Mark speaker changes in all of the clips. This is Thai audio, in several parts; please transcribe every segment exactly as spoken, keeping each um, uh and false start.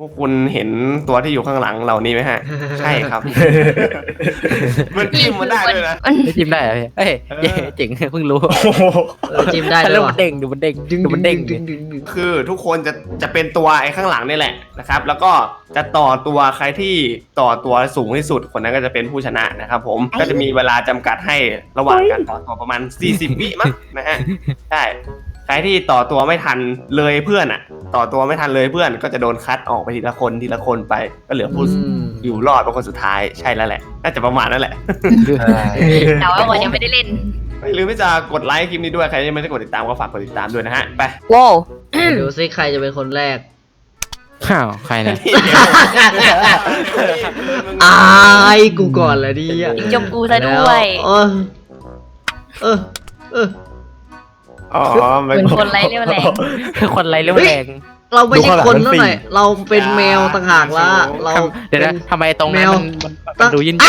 Speaker 1: วกคุณเห็นตัวที่อยู่ข้างหลังเหล่านี้ไหมฮะ ใช่ครับ มันจิ้มมันได้ด้วยนะ
Speaker 2: ไม่จิ้มได้เหรอพี่เอ้ยเจ๋งเพิ่งรู้
Speaker 3: จิ้มได้
Speaker 2: แล้
Speaker 3: ด้ว
Speaker 2: วย มันเด้งดูมันเด้งดูมันเด้ง
Speaker 3: ดึงดึงดึง
Speaker 1: คือทุกคนจะจะเป็นตัวไอ้ข้างหลังนี่แหละนะครับ แล้วก็จะต่อตัวใครที่ต่อตัวสูงที่สุดคนนั้นก็จะเป็นผู้ชนะนะครับผมก็จะมีเวลาจำกัดให้ระหว่างการต่อตัวประมาณสี่สิบวิมั้งนะฮะใช่ใครที่ต่อตัวไม่ทันเลยเพื่อนอ่ะ ต่อตัวไม่ทันเลยเพื่อนก็จะโดนคัดออกไปทีละคนทีละคนไปก็เหลือผู้อยู่รอดเป็นคนสุดท้ายใช่แล้วแหละน่าจะประมาณนั้นแหละ
Speaker 4: แต่ว่าผมยังไม่ได้เล่น
Speaker 1: ไม่ลืมที่จะกดไลค์คลิปนี้ด้วยใครยังไม่ได้กดติดตามก็ฝากกดติดตามด้วยนะฮะไป
Speaker 4: ว้าว
Speaker 3: ดูซิใครจะเป็นคนแรก
Speaker 2: ข้าวใครเนี่ย
Speaker 3: อายกูก่อนเลยดิอ่ะ
Speaker 4: จมกูซะด้วย
Speaker 3: เออเออเออ
Speaker 1: อ๋อ
Speaker 4: เห
Speaker 1: ไม่
Speaker 4: มือนคนไร้เรี่ยวแรง
Speaker 2: คนไรเรื่องแรง
Speaker 3: เราไม่ใช่คนเท่าไหร่เราเป็นแมวต่างหากละเรา
Speaker 2: เดี๋ยวนะทำไมตรงนั้นมันมันดูยิน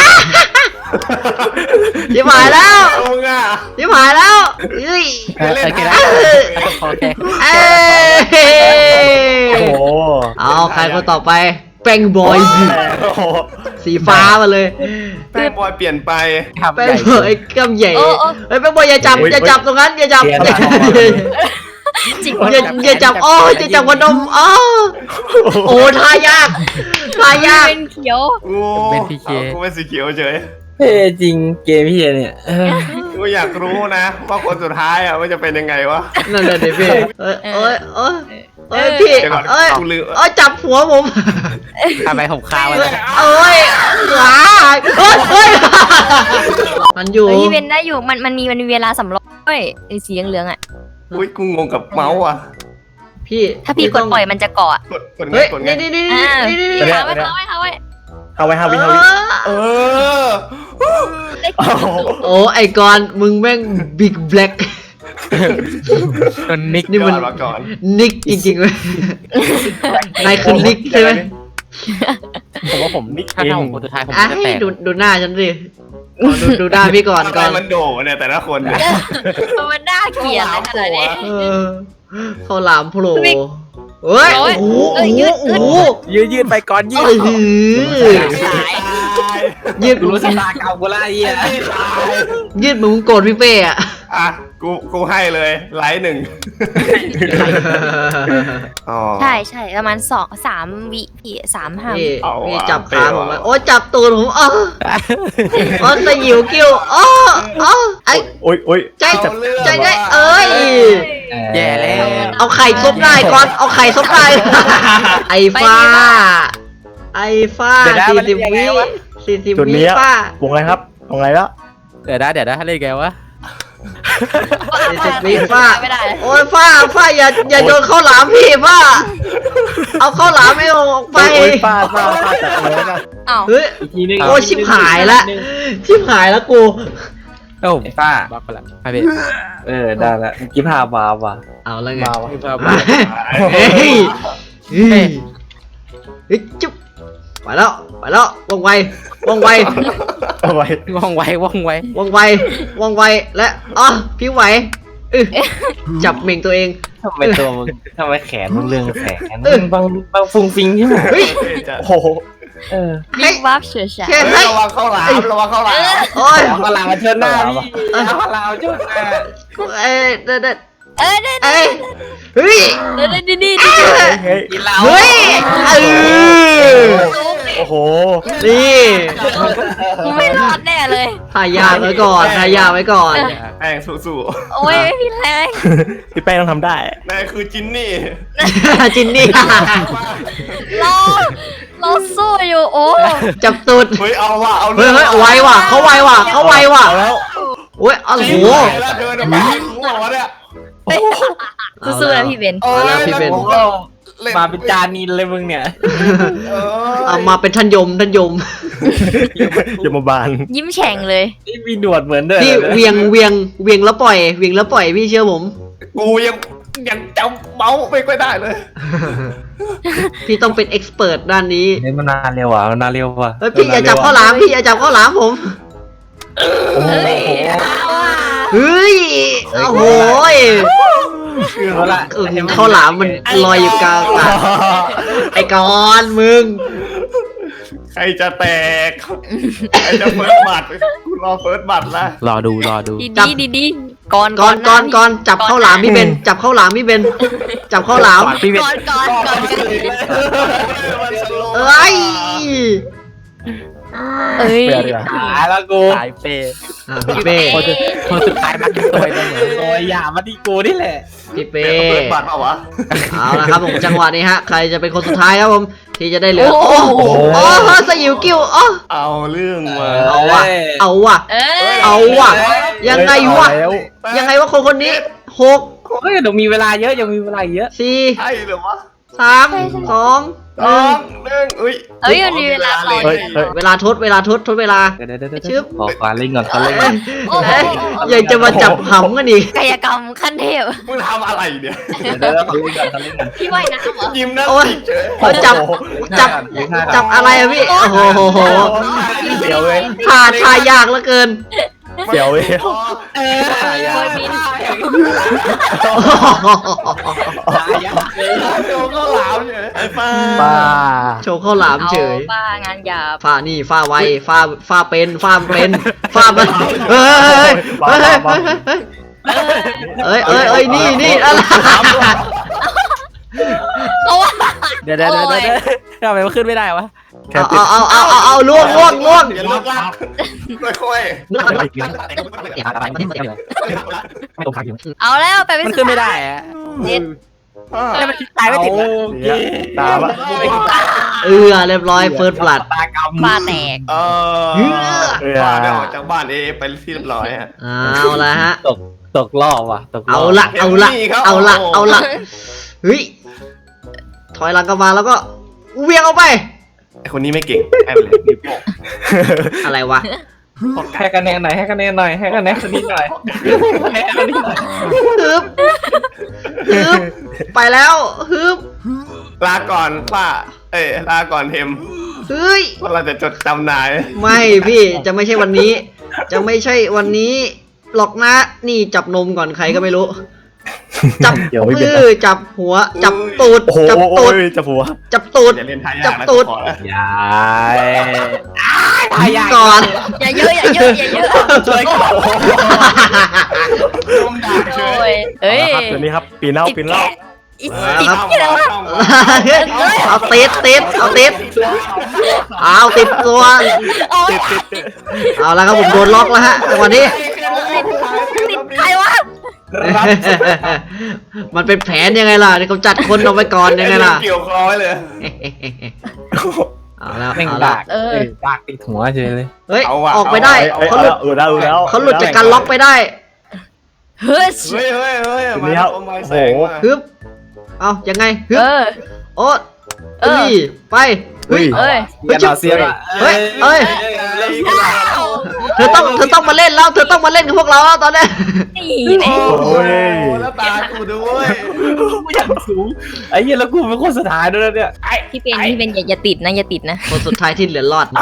Speaker 3: ชิบหายแล้ว
Speaker 1: เอาง่ะ
Speaker 3: ชิบหายแล้วเฮ้ย
Speaker 2: โอเคนะโอเค
Speaker 3: เอ้ย
Speaker 5: โอ้โห
Speaker 3: เอาใครคนต่อไปแป้งบอยสิ
Speaker 5: โอ้โห
Speaker 3: สีฟ้ามาเลย
Speaker 1: แป้งบอยเปลี่ยนไป
Speaker 2: ทำ
Speaker 3: แป้
Speaker 2: ให
Speaker 3: ง
Speaker 2: ญ่
Speaker 3: บอยกำใหญ่เฮ้ยแป้งบอยอย่าจับอย่าจับตรงนั้นอย่าจับ
Speaker 4: จริง
Speaker 3: อย่าอย่าจับอ้ออย่าจับหัวนมอ้อโอ้ท่ายากท่ายาก
Speaker 4: เป็นเขียว
Speaker 1: โอ้กูเป็นสีเขียวเฉย
Speaker 5: เท่จริงเกมพี่เนี่ยเออ
Speaker 1: กูอยากรู้นะว่าคนสุดท้ายอ่ะมันจะเป็นยังไงวะ
Speaker 3: นั่นแหละเด็พี่เอ้ยเอ้ยเอ้ยเอ้ยพี่
Speaker 1: เดี๋ยวก่อน
Speaker 3: เอ้ย
Speaker 1: กูลืม
Speaker 3: เอ้ยจับหัวผม
Speaker 2: ทำไมผมคาไว้
Speaker 3: เอ้ยขาเอ้ยเอ้ยมันอยู่
Speaker 4: เฮ้ยพี่เบนได้อยู่มันมันมีมันมีเวลาสำรองด้วยไอ้สีเหลืองๆอ่ะ
Speaker 1: อุ้ยกูงงกับเมาส์อ่ะ
Speaker 3: พี่
Speaker 4: ถ้าพี่กดปล่อยมันจะเกาะ
Speaker 1: กดกดไง
Speaker 3: เฮ้ย
Speaker 1: กดไง
Speaker 3: นี่นี่นี่
Speaker 4: อ่า
Speaker 3: นี่นี่
Speaker 4: พี่ค้างไว้ค้างไว้ค้างไว้
Speaker 5: เอาไว้ฮาวิฮาวิ
Speaker 1: เออ
Speaker 4: ได้
Speaker 5: โอ้โห
Speaker 3: โอ้ไอกอนมึงแม่งบิ๊กแบล็ก
Speaker 2: จนนิก
Speaker 3: นี่มัน
Speaker 1: ก่อมาก่อน
Speaker 3: นิกจริงๆเลยนายคือนิกใช่ไหม
Speaker 5: ผมว่าผมนิก
Speaker 2: ถ้า
Speaker 5: เอง
Speaker 2: ถ้าผมคนสุดท้ายผม
Speaker 3: อ่ะ
Speaker 2: จะแตก
Speaker 3: ดูดูหน้าฉันสิอ๋อดูดูหน้าพี่ก่อน
Speaker 1: ทำ
Speaker 3: ก่
Speaker 1: ไม
Speaker 3: อน
Speaker 1: มันโดเนี่ยแต่ละคนเนี่ย
Speaker 4: มันน่าเกลียดอะไรขนาดนี้
Speaker 3: เออข้าวหลามโผล่เฮ้ย
Speaker 4: โอ้
Speaker 3: โอ้
Speaker 4: ย
Speaker 3: โห
Speaker 4: เอ้ยยืด
Speaker 3: โอ้โห
Speaker 2: ยืดยืดไปก่อนยืด
Speaker 3: เอ้ยหือ
Speaker 4: ขาย
Speaker 3: ยืด
Speaker 5: รู้ชะตาเก่ากูละไอ้เหี้ย
Speaker 3: ยืดเหมือนมึงโกรธพี่เป้อะ
Speaker 1: อ่ะกูกูให้เลยไลค์หนึ่งอ๋อ
Speaker 4: ใช่ใช่ประมาณสองสามวิพี่สามห้า
Speaker 3: พี่
Speaker 1: เอา
Speaker 3: พี่
Speaker 1: ว่ะ
Speaker 3: จับขา
Speaker 1: เป้
Speaker 3: ผม
Speaker 1: ว่ะ
Speaker 3: มาโอ้จับตูดผมอ๋ออ๋อสยิวกิ้วอ๋ออ๋อไอ้
Speaker 5: โอ้ยโอ้ย
Speaker 3: ใจใจได้เอ้ย
Speaker 2: แย่แล้ว
Speaker 3: เอาไข่ซบได้ก่อนเอาไข่ซบได้ไอ้ฟ้า ไอ้ฟ้าสี่สิบวิสี่สิบ
Speaker 5: จุด
Speaker 3: วิ
Speaker 5: นี้
Speaker 3: ฟ้าว
Speaker 5: งอะไรครับวงอะไรแล้ว
Speaker 2: เดี๋ยวนะเดี๋ยวนะเล่นไงวะ
Speaker 3: สี่สิบวิฟ้า
Speaker 4: ไม่ได้
Speaker 3: โอ้ยฟ้าฟ้าอย่าอย่าโยนข้าวหลามพี่ฟ้าเอาข้าวหลามไม่ออกไป
Speaker 5: โอ้ยป้าป้าป้าจัดเลยนะ
Speaker 4: อ้าว
Speaker 3: เฮ้ย
Speaker 5: อีกทีนึง
Speaker 3: โอ้ยชิบหายละชิบหายแล้วกู
Speaker 2: แล้วผม
Speaker 5: ป้า
Speaker 2: บล็อกไปละไปพี่
Speaker 5: เออได้ละเมื่อกี้พามาว่ะ
Speaker 3: เอาแล้วไง
Speaker 5: มาว่ะ
Speaker 2: คือภาพ
Speaker 3: เฮ้ยเฮ้ยเฮ้ยจุ๊บไปแล้วไปแล้วว่องไวว่องไว
Speaker 5: เอาไว้
Speaker 2: ว่องไวว่องไว
Speaker 3: ว่องไวว่องไวและอ๋อพี่ไหวอึจับเหม่งตัวเอง
Speaker 5: ทำไมตัวมึงทำไมแขนมึงเรื่องแขนมึงบางบางฟุงฟิงใช่ไหม
Speaker 3: เฮ้ย
Speaker 5: โอ้โหเออ
Speaker 4: บิ๊กวับเฉย
Speaker 3: แค่
Speaker 1: เฮ้
Speaker 3: ให้
Speaker 1: ยระวังเข้าหลามระวังเข้าหลาม
Speaker 3: โอ้ย
Speaker 5: เอากระลามาเชิญหน้าพี่เอากระลามาเชิญหน้า
Speaker 3: เอ้ยเด็ดเด็ด
Speaker 4: ๆเอ้ยเด้
Speaker 3: เอ้ยเฮ้ย
Speaker 4: เด้ดีดี
Speaker 5: เฮ้ย
Speaker 2: กินเหล้า
Speaker 3: เฮ้ยเออ
Speaker 5: โอ้โห
Speaker 3: นี่
Speaker 4: ไม่รอดแน่เลย
Speaker 3: ทายาไว้ก่อนทายาไว้ก่อน
Speaker 1: แป้งสู้
Speaker 4: โอ้ยไม่มีแรง
Speaker 5: พี่แป้งต้องทำได้
Speaker 1: ๆนายคือจินนี่
Speaker 3: จินนี่
Speaker 4: รอเราสู้อยู่โอ้
Speaker 3: จับตูด
Speaker 1: เฮ้ยเอาว่ะเอา
Speaker 3: เฮ้ยเฮ้ยไวว่ะเขาไวว่ะเขาไวว่ะ
Speaker 5: เอาแล้ว
Speaker 3: โอ้ยโอ้โห
Speaker 1: แล้วเดินออกมาหัวเนี่ย
Speaker 4: สู้ๆนะพี่เบน
Speaker 1: เออ
Speaker 3: แล้วพี่เป็น
Speaker 1: แล้วกูก็ล่
Speaker 5: มาเป็นจานินเลยมึงเนี่ย
Speaker 1: เออ
Speaker 3: เอามาเป็นท่านยมท่านยม
Speaker 5: อย่ามาบาน
Speaker 4: ยิ้มแฉ่งเลย
Speaker 5: นี่มีหนวดเหมือนเดิม
Speaker 3: พี่เวียงเวียงเวียงแล้วปล่อยเวียงแล้วปล่อยพี่เชื่อผม
Speaker 1: กูยังยังจำเมาส์ไม่ค่อยได้เลย
Speaker 3: พี่ต้องเป็นเอ็กซ์เพรสด้านนี้
Speaker 5: เล่นมานานเร็วอ่ะนานเร็วว่ะ
Speaker 3: เฮ้ยพี่อย่าจับข้าวหลามพี่อย่าจับข้าวหลามผม
Speaker 5: โอ้โห
Speaker 4: เฮ้ยเอาอ่ะ
Speaker 3: เฮ้ยโอ้โห
Speaker 5: เอาละ
Speaker 3: เออข้าวหลามมันลอยอยู่กลางอากาศไอ้กอนมึง
Speaker 1: ใครจะแตกใครจะเฟิร์สบัตรกูรอเฟิร์สบัตรละ
Speaker 2: รอดูรอดู
Speaker 4: ดีดีดีดีก่อน
Speaker 3: ก่อนก่อนก่อนจับข้าวหลามพี่เบนจับข้าวหลามพี่เบนจับข้าวหลาม
Speaker 2: พี่เวท
Speaker 4: ก่อนก่อนก่อนกัน
Speaker 3: เอ้ย
Speaker 4: เอ้ย
Speaker 5: หายแล้วกู
Speaker 2: สายเปย์
Speaker 3: อ่ะพี่เป้
Speaker 2: คนสุดคนสุดท้ายมักจะตัวเองเหมือน
Speaker 5: โอ้ยอย่ามาที่กูนี่แหละ
Speaker 3: พี่เป้
Speaker 1: เฟิร์สบัตรเปล่าวะ
Speaker 3: เอาละครับผมจังหวะนี้ฮะใครจะเป็นคนสุดท้ายครับผมที่จะได้เหลือโอ้โหโอ้โหสยิวกิ้วอ๋อ
Speaker 1: เอาเรื่องมา
Speaker 3: เอาว่ะเอาว่ะ
Speaker 4: เอ้ย
Speaker 3: เอาว่ะยังไงวะยังไงวะคนคนนี้หก
Speaker 5: เฮ้ยเดี๋ยวมีเวลาเยอะยังมีเวลาเยอะ
Speaker 3: สี่
Speaker 1: ใช่เหรือวะ
Speaker 3: สามสองห
Speaker 1: สอ
Speaker 3: นึ่ง
Speaker 1: งหนึ่งอุ้ย
Speaker 4: เอ้ยมันมีเวลาต่อ
Speaker 1: เฮ้ย
Speaker 4: อีก
Speaker 1: เฮ้ย
Speaker 3: เวลาทดเวลาทดทดเวลา
Speaker 5: เดี๋ยวเดี๋ยวเดี๋ยว
Speaker 3: ชึบ
Speaker 5: ขอควาเล่นก่อนควาเล่นก่อน
Speaker 4: โอ้โห
Speaker 3: เอ๊ะยังจะมาจับหำกันอีก
Speaker 4: กายกรรมขั้นเทพ
Speaker 1: มึงทำอะไรเนี่ย
Speaker 5: เดี๋ยวเดี๋ยวขอเล่นก่อนขอเล่นก่อน
Speaker 4: พี่ว่ายน้ำเหรอ
Speaker 1: ยิ้มนะ
Speaker 3: โอ้ย
Speaker 1: เฉย
Speaker 3: พอจับจับ
Speaker 5: เลี้ยงห้า
Speaker 3: จับอะไรอะพี่โอ้โหโหโห
Speaker 5: เดี๋ยวเว้ย
Speaker 3: ท่าท่ายากเหลือเกิน
Speaker 2: เดี๋ยวเว้ย
Speaker 5: เออ
Speaker 4: โอยบิน
Speaker 1: โดนข้าวหลามเฉยไอ้ป้า
Speaker 2: ป้า
Speaker 3: โชว์ข้าวหลาม
Speaker 4: เอา
Speaker 3: เฉย
Speaker 4: ป้างานหยาบ
Speaker 3: ฝ้านี่ฝ้าไวฝ้าฝ้าเป็นฝ้าเป็นฝ้ามันเฮ้ยเฮ้ยเฮ้ยเฮ้ยเฮ้ยเฮ้ยนี่นี่อะไร
Speaker 4: โอ้ย
Speaker 2: เดี๋ยวเดี๋ยวเดี๋ยวเดี๋ยวทำไมมันขึ้นไม่ได้วะ
Speaker 3: เอาเอาเอาเอาเอาล่วงล่วงล่วง
Speaker 1: อย่าลุกลักค่อย
Speaker 4: เอาแล้วไปเป็น
Speaker 2: มัน
Speaker 4: สุ
Speaker 2: ขึ้น
Speaker 4: ด
Speaker 2: ไม่ได้
Speaker 4: ท้าย
Speaker 2: อะ
Speaker 4: เจ็ด
Speaker 1: ๆ
Speaker 2: แล้วมันคิดตายไม่ติดอะ
Speaker 5: โอเค
Speaker 2: ตามอะ
Speaker 3: เออเรียบร้อยเฟิร์สบลัด
Speaker 5: ตากรรม
Speaker 4: ป้าแตก
Speaker 1: เออป้าได้ออกจากบ้านเอไปที่เรียบร้อยฮะ
Speaker 3: เอาละฮะ
Speaker 5: ตกตกรอบว่ะตกรอบ
Speaker 3: เอาละเอาละเอาละเอาละเฮ้ยถอยหลังกลับมาแล้วก็เวียงเอาไป
Speaker 1: ไอคนนี้ไม่เก่งให้ไปเลยนิ้วโป้ง
Speaker 3: อะไรวะ
Speaker 5: ให้คะแนนหน่อยให้คะแนนหน่อยให้คะแนนคนนี้หน่อยให้คะแนนคนนี้หน่อย
Speaker 3: ฮึบฮึบไปแล้วฮึบ
Speaker 1: ลาก่อนป้า เอ้ยลาก่อนเทม
Speaker 3: เฮ้ย
Speaker 1: ว่าเราจะจดจำนาย
Speaker 3: ไม่พี่จะไม่ใช่วันนี้ จะไม่ใช่วันนี้หรอกนะนี่จับนมก่อนใครก็ไม่รู้ จับมือจับหัว จับตูด
Speaker 2: โอ้โห
Speaker 3: จับ
Speaker 2: โอ้
Speaker 3: ตูด
Speaker 2: ยจะผัว
Speaker 3: จับตูด
Speaker 1: อย่าเล่นทายา
Speaker 3: จั
Speaker 1: ก
Speaker 3: บ
Speaker 1: นะ
Speaker 3: ตูด
Speaker 1: ขอแล้ว
Speaker 5: ยาย
Speaker 3: ก่อน
Speaker 4: อย่าเยอะอย่าเยอะอย่าเยอะ
Speaker 1: ช่วยก่อนลมด่าเฉ
Speaker 4: โอ้
Speaker 1: ย
Speaker 4: ยเอ้ย
Speaker 2: ครับเดี๋ยวนี้ครับปีนเล่าปีนเล่า
Speaker 4: อี
Speaker 1: เอ
Speaker 4: ติด
Speaker 1: อ
Speaker 4: ที่แล้ว
Speaker 1: ต้อง
Speaker 3: เอาติดติดเอาติดเอาติดตัว
Speaker 4: โอ้ย
Speaker 3: เอาแล้วครับผมโดนล็อกแล้วฮะจังหวะนี้
Speaker 4: ติดใครวะ
Speaker 3: มันเป็นแผนยังไงล่ะนี่เขาจัดคนเอาไว้ก่อนยังไงล่ะ
Speaker 1: เกี่ยวคอไว้เลย
Speaker 3: เอาแล้ว
Speaker 5: แม่ง
Speaker 3: เอา
Speaker 5: ดา
Speaker 3: ละ
Speaker 5: กเออดากติดหัวเฉยเลย
Speaker 3: เฮ้ย
Speaker 1: เอาว่ะ
Speaker 3: ออกไปได้
Speaker 1: เอา
Speaker 3: เขาหลุด
Speaker 2: เออได้แล้ว
Speaker 3: เขาหลุดจากการล็อกไปได้
Speaker 4: เฮ้ย
Speaker 1: เฮ้ยเฮ้ยเฮ้ย
Speaker 2: ทีนี้ครับ
Speaker 1: มา
Speaker 2: โอ้
Speaker 1: แส
Speaker 2: โห
Speaker 1: งมา
Speaker 3: ฮึบเอายังไงฮึบ
Speaker 4: เออ
Speaker 3: โอ้
Speaker 4: เออ
Speaker 3: เอ้ยไปเฮ้ย
Speaker 4: เอ้ย
Speaker 5: เสียเสีย
Speaker 3: เฮ้ยเฮ้ย เธอต้องเธอต้องมาเล่นแล้วเธอต้องมาเล่นกับพวกเราแล้วตอนนี้
Speaker 4: นี่แน่
Speaker 1: โอ้ยแล้วตากูด้วย
Speaker 5: กูอยากสูงไอ้เหี้ยแล้วกูเป็นคนสุดท้ายด้วยนะเนี่ยไอ้
Speaker 4: ที่เป็นที่เป็นอย่าอย่าติดนะอย่าติดนะ
Speaker 3: คนสุดท้ายที่เหลือรอดนะ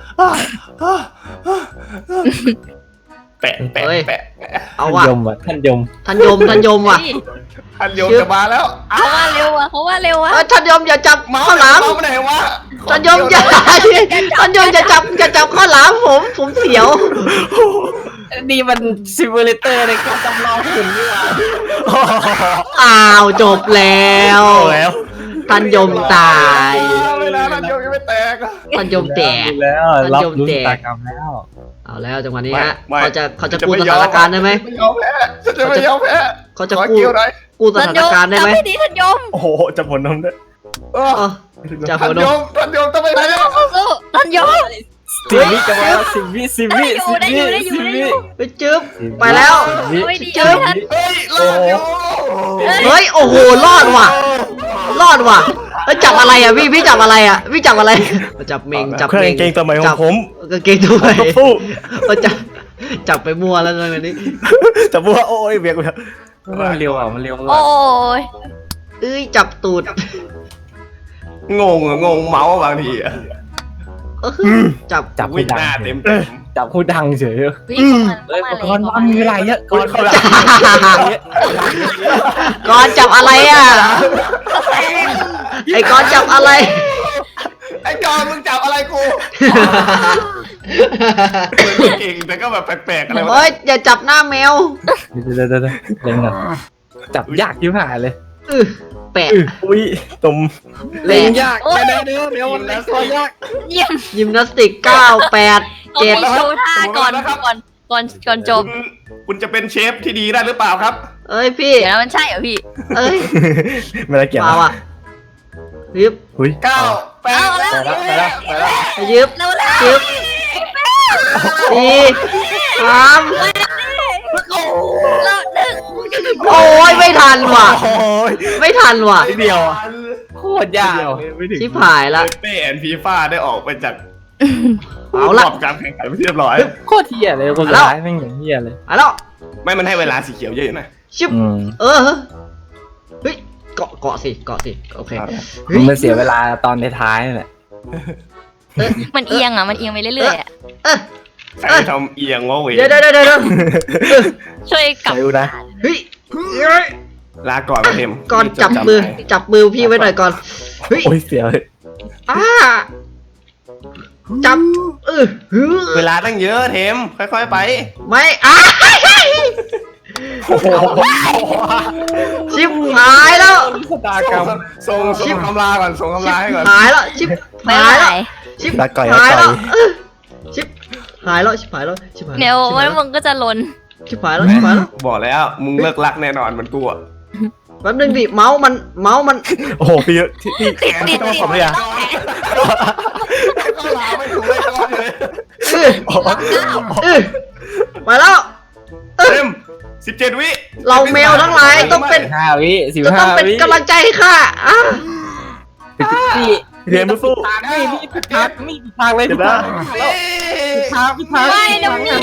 Speaker 1: แปะแปะ
Speaker 3: เฮ้ย
Speaker 1: แปะ
Speaker 3: เอา
Speaker 5: ท่าน
Speaker 3: ว่ะ
Speaker 5: ยมอ่ะท่านยม
Speaker 3: ท่านยมท่านยมว่ะ
Speaker 4: นี่
Speaker 1: อันโยมจะมาแล้ว
Speaker 4: เขาว่าเร็วอ่ะเขาว่าเร็วอ่ะ
Speaker 3: เอ้ยท่านยมอย่าจับข้าวหลาม
Speaker 1: เมาไหนวะ
Speaker 3: ท่านยมอย่าท่านยมอย่าจับอย่าจับข้าวหลามผมผมเสียว
Speaker 5: นี่มันซิมูเลเตอร์ในการจำลองหุ่นนี่หว่า
Speaker 3: อ้าวจบแล้ว
Speaker 2: แล้ว
Speaker 3: ท่านยมตาย
Speaker 1: เวลาอันโยมยังไม่แตกอะ
Speaker 3: ท่านยมแตก
Speaker 5: แล้วรับรู้ชะตากรรมแล้ว
Speaker 3: เอาแล้วจังหวะนี้ฮะ
Speaker 1: ไม่
Speaker 3: เขาจะเขาจะ
Speaker 1: จะ
Speaker 3: กู้
Speaker 1: ไม่
Speaker 3: ส
Speaker 1: ยอม
Speaker 3: ถานการณ์ได้ไหม
Speaker 1: ไม่ยอมแพ้ฉันจะไม่ยอมแพ้
Speaker 3: เขาจะ
Speaker 1: ขอ
Speaker 3: กู้
Speaker 1: กิ้วหน่อย
Speaker 3: กู้สถานการณ์ได้ไหม
Speaker 4: จำไม่ดีท่านยม
Speaker 2: โอ้โหจะผลน้ำด้วย
Speaker 1: เออ
Speaker 3: เออจะ
Speaker 1: ท่า
Speaker 3: หั
Speaker 1: น
Speaker 3: วน
Speaker 1: โย
Speaker 3: ม
Speaker 1: มท่านโยมต้องไปไหนอะ
Speaker 4: สู้ๆท่านยม
Speaker 5: สิบวิจะมาสิบวิสิบวิสิบ
Speaker 4: ได้
Speaker 5: วิ
Speaker 4: อยู่ได้อยู่
Speaker 5: สิบ
Speaker 4: ได้
Speaker 5: วิ
Speaker 4: อยู่
Speaker 3: ไปจึ๊บไปแล้ว
Speaker 4: ไม่ดี
Speaker 3: จึ๊บ
Speaker 4: ท่าน
Speaker 1: เฮ้ยรอดอยู่
Speaker 3: เฮ้ยโอ้โหรอดว่ะ รอดว่ะแล้วจับอะไรอ่ะพี่พี่จับอะไรอ่ะพี่จับอะไรจับเมงจับ
Speaker 2: เครื่อง
Speaker 3: เมง
Speaker 2: เกงตัวใหม่ของผม
Speaker 3: กางเกงตัวใหม่
Speaker 2: ฟู่
Speaker 3: ก็จับจับไปมั่วแล้วตอนนี้
Speaker 2: จะพูดว่าโอ้ยเบียกไปเถอะ
Speaker 5: มันเร็วอ่ะมันเร็ว
Speaker 4: โอ้ย
Speaker 3: เอ้ยจับตูด
Speaker 1: งงอะงงเมาส์บางทีอะ
Speaker 3: เออจับ
Speaker 5: จับ
Speaker 1: วิ่
Speaker 5: ไม่
Speaker 1: งห
Speaker 5: ได้
Speaker 1: น้าเต็มเต็ม
Speaker 5: จับคู่ดังเฉย
Speaker 4: วิ่งเข้ามา
Speaker 5: เอ้ย
Speaker 4: เข้า
Speaker 5: ก่อน
Speaker 4: มา
Speaker 5: ว่า
Speaker 4: เลย
Speaker 5: มีเวลาเยอะก่อน
Speaker 2: เขาละ
Speaker 3: ก่อนจับอะไรอ่ะไอ้ก่อนจับอะไร
Speaker 1: ไอ้จอนมึงจับอะไรกูเก่งแต่ก็แบบแปลกๆอะไรวะ
Speaker 3: เฮ้ยอย่าจับหน้าแมว
Speaker 5: เดี๋ยวเดี๋ยวเดี๋ยวเล่นก่อนจับยากยิ่งหายเลย
Speaker 3: อื้อแปะ
Speaker 2: อุ้ยตม
Speaker 3: แปะ
Speaker 5: ยากแน่ๆเดี๋ยวเดี๋ยวเล่นตัวยาก
Speaker 4: เยี่ยม
Speaker 3: ยิมนาสติกเก้าแปด
Speaker 4: เขา
Speaker 3: เจ็ด
Speaker 4: มีโชว์ท่าก่อนก่อนก่อนก่อนจบ
Speaker 1: คุณคุณจะเป็นเชฟที่ดีได้หรือเปล่าครับ
Speaker 3: เอ้ยพี่
Speaker 4: เดี๋ยวนะมันใช่เหรอพี่
Speaker 3: เอ้ย
Speaker 2: ไม่ได้เกี่ยว
Speaker 3: มาว่ะยึบ
Speaker 2: อุ้ย
Speaker 1: เก้าแปด
Speaker 4: เอาแล้ว
Speaker 2: ไปแล้วไปแล้วไปแล้ว
Speaker 3: ยึบ
Speaker 4: เร็วแล้ว
Speaker 3: ยึบสี่สาม
Speaker 4: แล้วหนึ่ง
Speaker 3: โอ้ยไม่ทันว่ะ
Speaker 2: โอ้ย
Speaker 3: ไม่ทันว่ะ
Speaker 2: นิดเดียวอะ
Speaker 5: โคตรยาก
Speaker 2: เดียวไม่ถึง
Speaker 3: ชิบหายละ
Speaker 1: เป้แอนฟีฟ่าได้ออกไปจาก
Speaker 3: เอาละ
Speaker 1: รอบการแข่งขันไปเรียบร้อย
Speaker 5: โคตรเฮียเลยคนร้ายแม่งอย่างเฮียเลย
Speaker 3: เอาแล้ว
Speaker 1: ไม่มันให้เวลาสีเขียวเยอะอยู่นะ
Speaker 3: ชิบ
Speaker 5: อืม
Speaker 3: เออเฮ้ยเกาะเกาะสิเกาะสิโอเคเฮ้
Speaker 5: มั
Speaker 3: ย
Speaker 5: นมาเสียเวลาตอนท้ายๆนี่แหละ
Speaker 4: มันเอียงอ่ะมันเอียงไปเรื่อยๆอ่ะ
Speaker 3: เออ
Speaker 1: ใครทำเอียงวะเวย
Speaker 3: เดี๋ยวเดี๋ยวเดี๋ยวเดี๋ยว
Speaker 4: ช่วยกลับ
Speaker 2: ใส่ดูนะ
Speaker 3: เฮ้ย
Speaker 1: ลาก่อนมาเทม
Speaker 3: ก่อนจับมือจับมือพี่ไว้หน่อยก่อนเฮ้ย
Speaker 2: โอ้ยเสียเลย
Speaker 3: อ่าจับเออฮึ
Speaker 1: เวลาตั้งเยอะเทมค่อยๆไป
Speaker 3: ไม่อ่ะ
Speaker 2: โอ้โห
Speaker 3: ชิบหายแล้ว
Speaker 5: ชะตากรรม
Speaker 1: ส่งส่งคำลาก่อนส่งคำ
Speaker 3: ชิ
Speaker 1: ลา
Speaker 3: บ
Speaker 1: ให้ก่อน
Speaker 3: หายแล้วชิบ
Speaker 4: ไม่
Speaker 3: หาย
Speaker 4: ไหว
Speaker 3: แล้วชิบ
Speaker 2: รักก่อยรั
Speaker 3: หาก ย
Speaker 2: ก่
Speaker 3: แล้
Speaker 2: อ
Speaker 3: วย เออชิบหายแล้วชิบหายแล้วชิบหายแล้ว
Speaker 4: เดี๋ยว
Speaker 3: ชิบ
Speaker 4: มั
Speaker 3: หาย
Speaker 4: น
Speaker 3: แล้ว
Speaker 4: มึงก็จะลน
Speaker 3: ชิบหายแล้วชิบหายแล้ว
Speaker 1: บอกแล้วมึงเลิกรักแน่นอนมันกูอะ
Speaker 3: แป๊บนึงดิเมาส์มันเมาส์มัน
Speaker 2: โอ้โหพี่ที่ที่
Speaker 4: ติดติด
Speaker 2: ต้อง
Speaker 4: ติด
Speaker 2: ขอบเลยอ่ะ
Speaker 1: ก็ลาไม่ถูกเลยก่อนเลย
Speaker 3: เออเออมาแล้ว
Speaker 1: เทมสิบเจ็ดวิ
Speaker 3: เราแมวทั้งหลายต้องเป็น
Speaker 5: ห้าวิสิบ
Speaker 3: จะต้
Speaker 5: ห้า
Speaker 3: องเป็น
Speaker 5: วิ
Speaker 3: กำลังใจให้ข้าอ่ะ
Speaker 5: พี่
Speaker 2: เรียนสู้
Speaker 5: ทางนี่พี่ผิดทางนี่ผิดทางเลย
Speaker 2: เดี๋
Speaker 5: ผิ
Speaker 2: ย
Speaker 5: ด
Speaker 2: วนะ
Speaker 5: ทางผิดทางผิดทาง
Speaker 4: ไม่นะพี่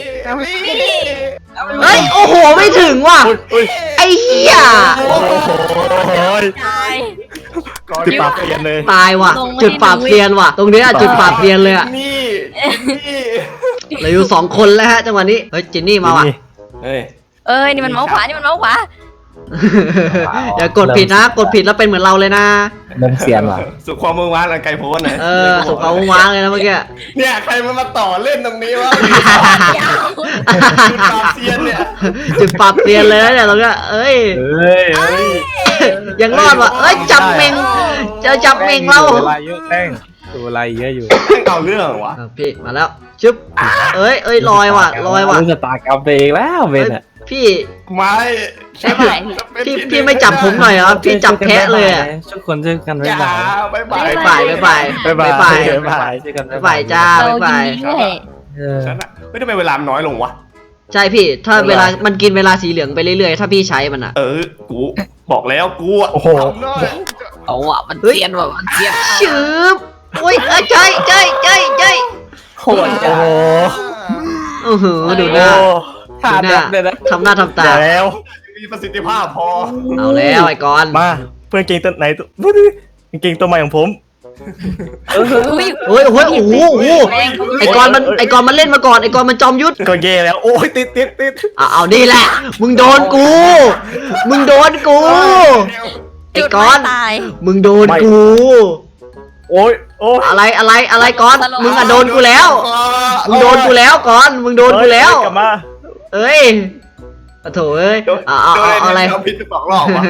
Speaker 3: เฮ้ยโอ้โหไม่ถึงว่ะ
Speaker 2: อุ้ย
Speaker 3: ไอ้เหี้ย
Speaker 2: โอ้ย
Speaker 4: ตาย
Speaker 2: จุดปากเปลี่ยนเลย
Speaker 3: ตายว่ะ
Speaker 4: ลงมาที่
Speaker 3: จุดปราบเซียนว่ะ ตรงเนี้ยจุดปราบเซียนเลยอ่ะ
Speaker 1: นี่นี่
Speaker 3: เหลืออยู่สองคนแล้วฮะจังหวะนี้เฮ้ยจินนี่มาว่ะ
Speaker 1: เฮ้ย
Speaker 4: เอ้ยนี่มันเมาส์ขวานี่มันเมาส์ขวา
Speaker 3: อย่ากดผิดนะ กดผิดแล้วเป็นเหมือนเราเลยนะ
Speaker 5: เริ่มเสียนว่ะ
Speaker 1: สุขความมือวานอันไกลโพ้นหน่อย
Speaker 3: เออสุกเอาว้างเลยนะเมื่อกี้
Speaker 1: เนี่ยใครมันมาต่อเล่นตรงนี้วะจุดปราบเซียนเนี่ย
Speaker 3: จุดปราบเซียนเลยนะเนี่ยตรงเนี้ยเอ้ย
Speaker 2: เฮ้ยเฮ้ย
Speaker 3: ยังรอดว่ะเอ้ยจับเมงเจอจับเมงเรา
Speaker 5: เวลาเยอะแป้งตัวอะไรเยอะอยู่
Speaker 1: เอาเรื่องวะ
Speaker 3: เออพี่มาแล้วชึบเอ้ยเอ้ยลอยว่ะลอยว่ะ
Speaker 5: ชะตากรรมไปเองแล้วเบ
Speaker 3: เอ้
Speaker 5: น
Speaker 3: ย
Speaker 5: อ่ะ
Speaker 3: พี่
Speaker 1: ไม่
Speaker 3: ใช่พี่พี่พี่ไม่จับผมหน่อยเหรอพี่จับแพะเลยอะ
Speaker 5: ทุกคนช่วยกัน
Speaker 1: อ
Speaker 5: ไว้
Speaker 1: ย่า
Speaker 5: บ่าย
Speaker 1: บายบาย
Speaker 3: บ๊ายบายบ๊ายบาย
Speaker 2: บ๊ายบาย
Speaker 3: บ๊ายบาย
Speaker 2: บ๊ายบาย
Speaker 5: ช่วยกัน
Speaker 3: บ๊ายบายจ้า
Speaker 4: เรา
Speaker 3: บ๊ายบาย
Speaker 4: ยิงด้วย
Speaker 5: เออ
Speaker 1: ฉันอะไม่ทำไมเวลามันน้อยลงวะ
Speaker 3: ใช่พี่ ถ้าเวลามันกินเวลาสีเหลืองไปเรื่อยๆ ถ้าพี่ใช้มันอะ
Speaker 1: เออ กูบอกแล้วกูอะ
Speaker 2: โอ้โห
Speaker 1: ทำได้
Speaker 4: เอาอ่ะมันเจียนว่ะมันเจียน
Speaker 3: ชืบอุ้ยเอ้ยใช่ใช่ใช่ใช่
Speaker 5: โคตร
Speaker 2: โอ้โห
Speaker 3: โอ้โหดูหน้า
Speaker 5: ท่า
Speaker 3: ดูห
Speaker 5: แบ
Speaker 3: น้า
Speaker 5: บเลยนะ
Speaker 3: ทำหน้าทำตา
Speaker 2: เดี๋ยวแล้ว
Speaker 1: มีประสิทธิภาพพอ
Speaker 3: เอาแล้วไอ้กอน
Speaker 2: มาเพื่อนเก่งตัวไหนตัวดูดิเก่งตัวใหม่ของผม
Speaker 4: อุ้ย
Speaker 3: โอ้ยโอ้ยโอ้โหโอ้โหไอ้กอนมันไอ้กอนมันเล่นมาก่อนไอ้กอนมันจอมยุทธ
Speaker 2: ก็เย่แล้ว โอ้ยติดติดติด
Speaker 3: อ่ะเอานี่แหละ มึงโดนกู มึงโดนกู ไอ้
Speaker 4: จุด
Speaker 3: กอน
Speaker 4: ไม่ตาย
Speaker 3: มึงโดนกู
Speaker 2: โอ้ยโอ้ย
Speaker 3: อะไรอะไรอะไรกอนมึงอะโดนกูแล้ว มึงโดนกูแล้วกอนมึงโดนกูแล้ว
Speaker 2: กลับมา
Speaker 3: เอ้ยโอ้โถเอ้ย
Speaker 1: โดน
Speaker 3: เอาเอาเอาเอาอะไร
Speaker 1: โดนพิษสองรอบวะ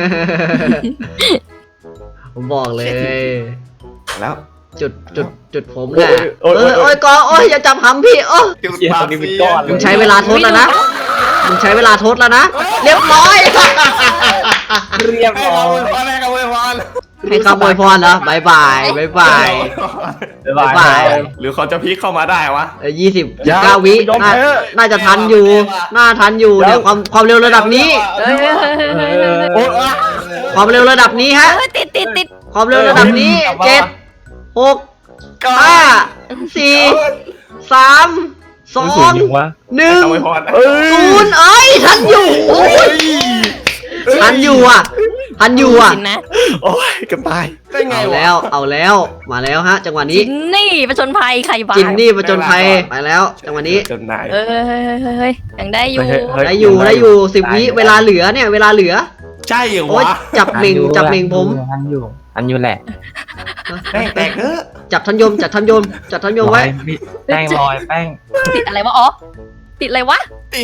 Speaker 3: ผมบอกเลย
Speaker 1: แล้ว
Speaker 3: จุดจุดจุดผมเนี่ยเออโอ้ยกอนโอ้ยอย่าจับหำพี่โอ้
Speaker 1: จุดปราบเซียน
Speaker 3: มึงใช้เวลาทดแล้วนะ มึงใช้เวลาทดแล้วนะ เรียบร้อย
Speaker 5: เรียบ
Speaker 1: ให้
Speaker 5: ร้อ
Speaker 1: เรา
Speaker 5: ย
Speaker 1: พอแรกเอาไว้พร
Speaker 3: ให้คำอวยพรเหรอบายบายบายบาย
Speaker 2: บ๊ายบาย
Speaker 1: หรือเขาจะพลิกเข้ามาได้วะ
Speaker 3: ยี่สิบ
Speaker 2: อย่า
Speaker 3: เก้าวิ
Speaker 2: ยอม
Speaker 3: น่า
Speaker 2: แพ้
Speaker 3: น่าจะทันอยู่ น่าทันอยู่เนี่ยความความเร็วระดับนี้
Speaker 4: เฮ้ยเฮ้ยเฮ้ยเฮ้ยเฮ้ย
Speaker 2: โอ้ย
Speaker 3: ความเร็วระดับนี้ฮะ
Speaker 4: เฮ้ยติดติดติด
Speaker 3: ความเร็วระดับนี้เจ็ดหกห้าสี่สามสอ
Speaker 5: สูง
Speaker 3: ง
Speaker 5: ยังวะ
Speaker 3: หนึ่ง
Speaker 1: เอาไว้พร
Speaker 2: เอ้ย
Speaker 3: ศูนย์เอ้ยทันอยู่
Speaker 1: โอ้ย
Speaker 3: ทันอยู่อ่ะทันอยู่อ่ะ
Speaker 4: จินนะ
Speaker 2: โอ้ยเกับตาย
Speaker 1: ได้ไง
Speaker 3: เอา
Speaker 1: วะ
Speaker 3: แล้วเอาแล้วมาแล้วฮะ จังหวะนี้
Speaker 4: จินนี่ประชนภัยใครบ้า
Speaker 3: จินนี่ประจนภัยไปแล้ว จังหวะนี้
Speaker 1: จนนาย
Speaker 4: เอ้ยเฮ้ยเฮ้ยเฮ้ยเฮ้ยยังได้อยู่
Speaker 3: ได้อยู่ได้อยู่สิบวิเวลาเหลือเนี่ยเวลาเหลือ
Speaker 1: ใช่เหรอ
Speaker 3: โอ๊ยว
Speaker 1: ะ
Speaker 3: จับเหม่งจับเหม่งผม
Speaker 5: อันอยู่อันอยู่แหละ
Speaker 1: แป้งแตกเออ
Speaker 3: จับทันยมจับทันยมจับทันยมไว้
Speaker 5: แป้งลอยแป้ง
Speaker 4: ติดอะไรวะอ๋อติดอะไรวะ
Speaker 1: ติด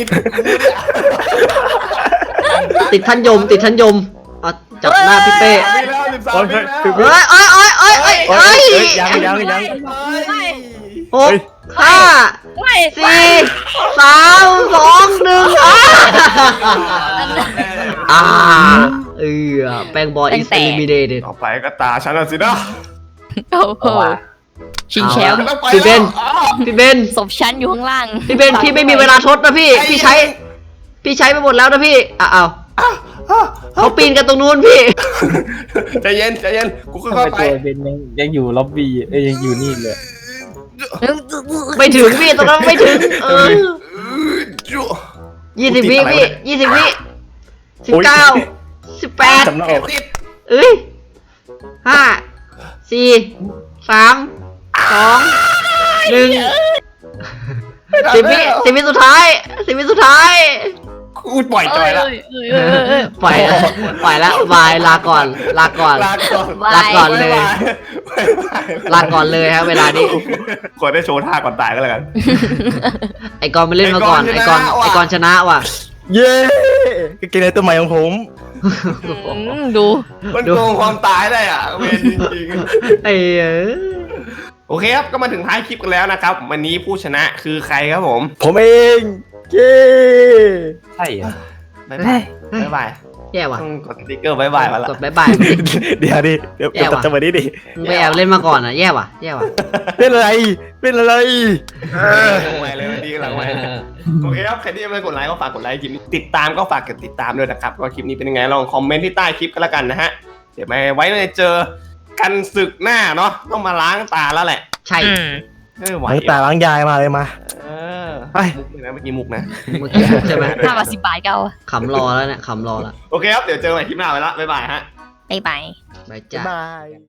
Speaker 3: ติดทันยมติดทันยมเอาจับหน้าพี่เป้
Speaker 1: มีแล้วสิบสามมีแล้ว
Speaker 3: เอ้ยเอ้ยเอ้ยเอ้ยเอ้ย
Speaker 2: โอ้
Speaker 3: เอ้
Speaker 2: ย
Speaker 3: ย
Speaker 2: เอ้ยยังยังยัง
Speaker 4: ไม่
Speaker 3: หกห้า
Speaker 4: ไม่
Speaker 3: สี่สามสองหนึ่งอ่าอ่าเออแป้งบอล is eliminated
Speaker 1: ต่อไปก็ตาฉันแล้วสินะ
Speaker 4: โอ้โหชิงแชมป์
Speaker 1: ต้องไป
Speaker 3: พี่เบน
Speaker 1: แล้วอ้าว
Speaker 3: พี่เบน
Speaker 4: ศพชั้นอยู่ข้างล่าง
Speaker 3: พี่เบนพี่ไม่มีเวลาทดนะพี่ พี่ใช้ พี่ใช้ไปหมดแล้วนะพี่อ่ะเอาเขาปีนกันตรงนู้นพี่
Speaker 1: ใจเย็นใจเย็นกูค่
Speaker 5: ทำไม
Speaker 1: อยๆไป
Speaker 5: ตัวเป็นยังยังอยู่ล็อบบี้เอ้ยยังอยู่นี่เลย
Speaker 3: ไม่ถึงพี่ตรงนั้นไม่ถึงเออ
Speaker 1: จุ
Speaker 3: ยี่สิบวิพี่ยี่สิบวิสิบเก้าสิบแปด
Speaker 2: จำหน้าอก
Speaker 1: ติด
Speaker 3: เอ้ยห้าสี่สามสองหนึ่งสิบวิสิบวิสุดท้ายสิบวิสุดท้าย
Speaker 1: กูปล่อยจอยแล้ว
Speaker 4: เอ้ยเอ้ยเอ้ยเอ้ย
Speaker 3: ปล่อยแล้วปล่อยแล้วบายลาก่อน ลาก่อน
Speaker 1: ลาก่อน
Speaker 3: ลาก่อนเลย
Speaker 1: บ๊ายบาย
Speaker 3: ลาก่อนเลยครับเวลานี้
Speaker 1: กดได้โชว์ท่าก่อนตายก็แล้วกัน
Speaker 3: ไอกอนไปเล่นมาก่อน ไอ
Speaker 1: ไอ้
Speaker 3: ก
Speaker 1: ก
Speaker 3: อ
Speaker 1: อน นชนะว่ะ
Speaker 3: ไอกอนชนะว่ะ
Speaker 2: เย้กางเกงในตัวใหม่ของผม
Speaker 4: อืมดู
Speaker 1: มันโกงความตายได้อ่ะเวรจริง
Speaker 3: ไอ้เอ้ย
Speaker 1: ๆโอเคครับก็มาถึงท้ายคลิปกันแล้วนะครับ วันนี้ผู้ชนะคือใครครับผม
Speaker 2: ผมเองเย้
Speaker 5: ใช่เหรอ
Speaker 1: บ๊ายบายบ๊ายบาย
Speaker 3: แย่ว่ะ
Speaker 1: ต้องกดสติ๊กเกอร์บ๊ายบายมาละ
Speaker 3: กดบายบาย
Speaker 2: เดี๋ยวดิเดี๋ยวเดี๋ยว
Speaker 3: แย่ว่ะ
Speaker 2: ตัดจังหวะนี้ดิ
Speaker 3: มึงไปแอบเล่นมาก่อนอ่ะแย่ว่ะแย่ว่ะ
Speaker 2: เป็นอะไรเป็นอะไร
Speaker 1: ลงไปเลยวันนี้กำลังไปโอเคครับใครที่ยังไม่กดไลค์ก็ฝากกดไลค์คลิปนี้ติดตามก็ฝากกดติดตามด้วยนะครับว่าคลิปนี้เป็นยังไงลองคอมเมนต์ที่ใต้คลิปกันแล้วกันนะฮะเดี๋ยวไม่ไว้ในเจอกันศึกหน้าเนาะต้องมาล้างตาแล้วแหละ
Speaker 3: ใช่
Speaker 4: อืม
Speaker 1: เออไหว
Speaker 2: ล้างตาล้างยายมาเลยมา
Speaker 1: เออ
Speaker 2: ไป
Speaker 1: มุกเลยนะเมื่อกี้มุกนะ
Speaker 3: เมื่อกี้ใช่ไหม
Speaker 4: ห้าบาทสิบบาทก็เอา
Speaker 3: ขำรอแล้วเนี่ยขำรอแล้ว
Speaker 1: โอเคครับเดี๋ยวเจอกันใหม่คลิปหน้าไปละบ๊ายบายฮะ
Speaker 4: บ๊ายบาย
Speaker 3: บาย
Speaker 2: บ๊าย
Speaker 3: จ้า
Speaker 2: บาย